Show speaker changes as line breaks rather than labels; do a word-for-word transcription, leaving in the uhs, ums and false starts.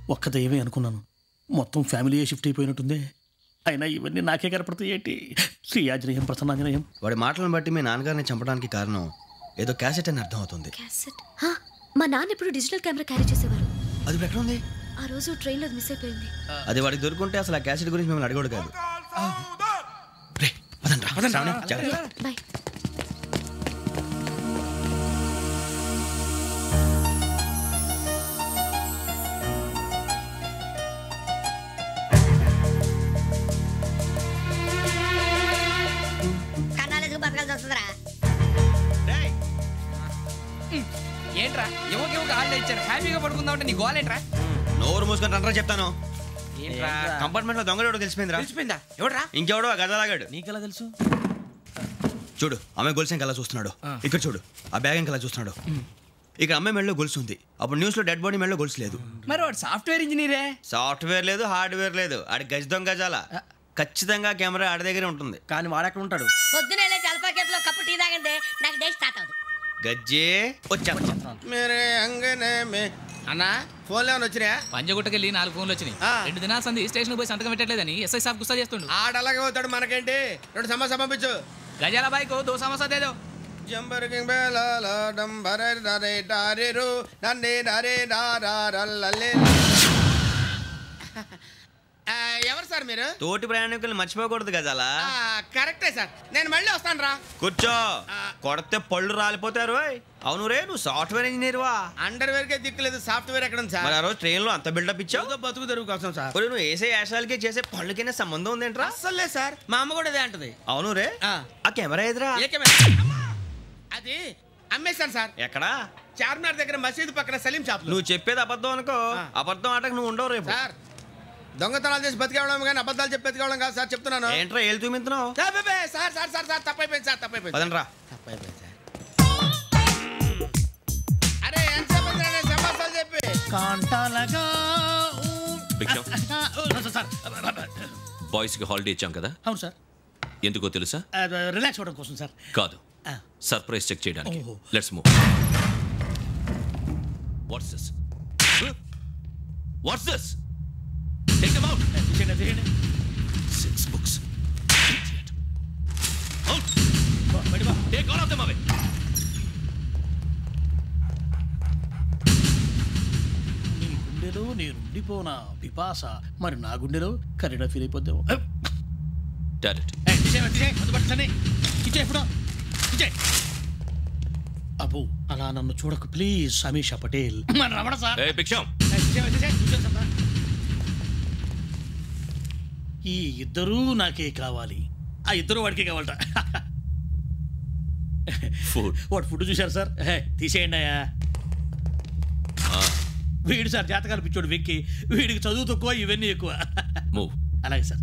ఒక్క దయ్యమే అనుకున్నాను, మొత్తం ఫ్యామిలీయే షిఫ్ట్ అయిపోయినట్టుందే. అయినా ఇవన్నీ నాకే కనపడతాయి ఏంటి? శ్రీ ఆంజనేయం ప్రసన్నాంజనేయం.
వాడి మాటలను బట్టి మీ నాన్నగారిని చంపడానికి కారణం ఏదో క్యాసెట్ అని అర్థం అవుతుంది.
క్యాసెట్? మా నాన్న ఇప్పుడు డిజిటల్ కెమెరా క్యారీ చేసేవారు.
అది ఇప్పుడు ఎక్కడ ఉంది?
ఆ రోజు ట్రైన్ లో మిస్ అయిపోయింది.
అది వాడికి దొరుకుంటే అసలు ఆ క్యాసెట్ గురించి మిమ్మల్ని అడగడు కాదు.
బాయ్.
ఏంట్రా ఎవరికి ఎవరికి హాలిడే ఇచ్చారు, హ్యాపీగా పడుకుందాం అంటే నీ గోలేంట్రా?
నోరు మూసుకొని రండ్రా చెప్తాను. కంపార్ట్మెంట్ లో దొంగడు తెలిసిపోయిందిరా.
తెలిసిపోయిందా? ఎవడ్రా?
ఇంకెవడో గదలాగాడు.
నీకెలా తెలుసు?
చూడు, ఆమె గొలుసు ఇంకలా చూస్తున్నాడు. ఇక్కడ చూడు, ఆ బ్యాగ్ ఇంకలా చూస్తున్నాడు. ఇక్కడ అమ్మాయి మెడలో గొలుసు ఉంది. అప్పుడు న్యూస్ లో డెడ్ బాడీ మెడలో గొలుసు లేదు.
మరి వాడు సాఫ్ట్వేర్ ఇంజనీరే.
సాఫ్ట్వేర్ లేదు, హార్డ్వేర్ లేదు. ఆడి గజ దొంగ గజాల. ఖచ్చితంగా కెమెరా ఆడి దగ్గరే ఉంటుంది.
కానీ వాడెక్కడ ఉంటాడు?
పొద్దునే జలపా కేఫ్లో కప్పు టీ తాగండి, నాకు డే స్టార్ట్ అవుతుంది.
గజ్జే వచ్చా
అన్నా ఫోన్లో ఏమైనా వచ్చినాయా?
పంజగుట్టకెళ్ళి నాలుగు ఫోన్లు వచ్చినాయి. రెండు దినాల సంది స్టేషన్ పోయి సంతకం పెట్టలేదని ఎస్ఐ సాబ్ గుస్తా చేస్తుండు.
ఆడలాగే పోతాడు, మనకేంటి? రెండు సమస్య పంపించు.
గజాల బైక్ దో సమస్య దేదో.
జంబరకింగ్ బేలాల డంబరే డరే డారేరు నన్నే డరే డారారల్లలే. ఎవరు సార్ మీరు?
తోటి ప్రయాణికులు మర్చిపోకూడదు గజాల.
కరెక్టే సార్, నేను మళ్ళీ వస్తాను రా.
కూర్చో, కొడితే పళ్ళు రాలిపోతారు. అవును రే, నువ్వు సాఫ్ట్వేర్ ఇంజనీర్ వా?
అండర్ వేర్ కే దిక్కులేదు, సాఫ్ట్వేర్ ఎక్కడ ఉంది సార్?
ఆ రోజు ట్రైన్ లో అంత బిల్డప్ ఇచ్చావు.
బతుకు తెరుగు కోసం సార్.
నువ్వు వేసే యాశాలకి చేసే పళ్ళకైనా సంబంధం ఉందేంట్రా?
అస్సలే సార్, మా అమ్మ కూడా అదే అంటది.
అవును రే, ఆ కెమెరా ఎదురా?
ఏ కెమెరా? అది అమ్మేశాను సార్.
ఎక్కడా?
చార్మినార్ దగ్గర మసీదు పక్కన సలీం షాప్.
నువ్వు చెప్పేది అబద్ధం అనుకో, అబద్ధం ఆటకు నువ్వు ఉండవు రేపు.
సార్ దొంగతనాలు చేసి బతికేవడం కానీ అబద్ధాలు చెప్పి బతికేవడం కాదు సార్, చెప్తున్నాను.
ఏంట్రా ఏళ్ళు చూపించున్నావు?
సార్ సార్ సార్ సార్ తప్పైపోయింది సార్, తప్పైపోయింది.
పదండ్రా.
తప్పైపోయింది సార్. అరే ఎంతసేపు సమాసాలు చెప్పి
కాంటాలగా
బాయ్స్ కి హాలిడే ఇచ్చాం కదా?
అవును సార్.
ఎందుకో తెలుసా?
రిలాక్స్ అవ్వడం కోసం సార్.
కాదు, సర్ప్రైజ్ చెక్ చేయడానికి. Let's move. What's this? What's this? Take them out. Six books. Out. Take all of them away.
నీ గుండెలో నేను ఉండిపోనా పిపాస, మరి నా గుండెలో కరీడా ఫీల్ అయిపోద్దాము.
డాడెట్.
అబ్బో అలా నన్ను చూడకు ప్లీజ్. సమీషా పటేల్. రమణ సార్. ఈ ఇద్దరూ నాకే కావాలి, ఆ ఇద్దరు వాడికే కావాలట. వాడు ఫుడ్ చూశారు సార్, తీసేయండి అయ్యా. వీడు సార్ జాతకాలు పిచ్చోడు వెక్కి, వీడికి చదువు తక్కువ, ఇవన్నీ ఎక్కువ. అలాగే సార్.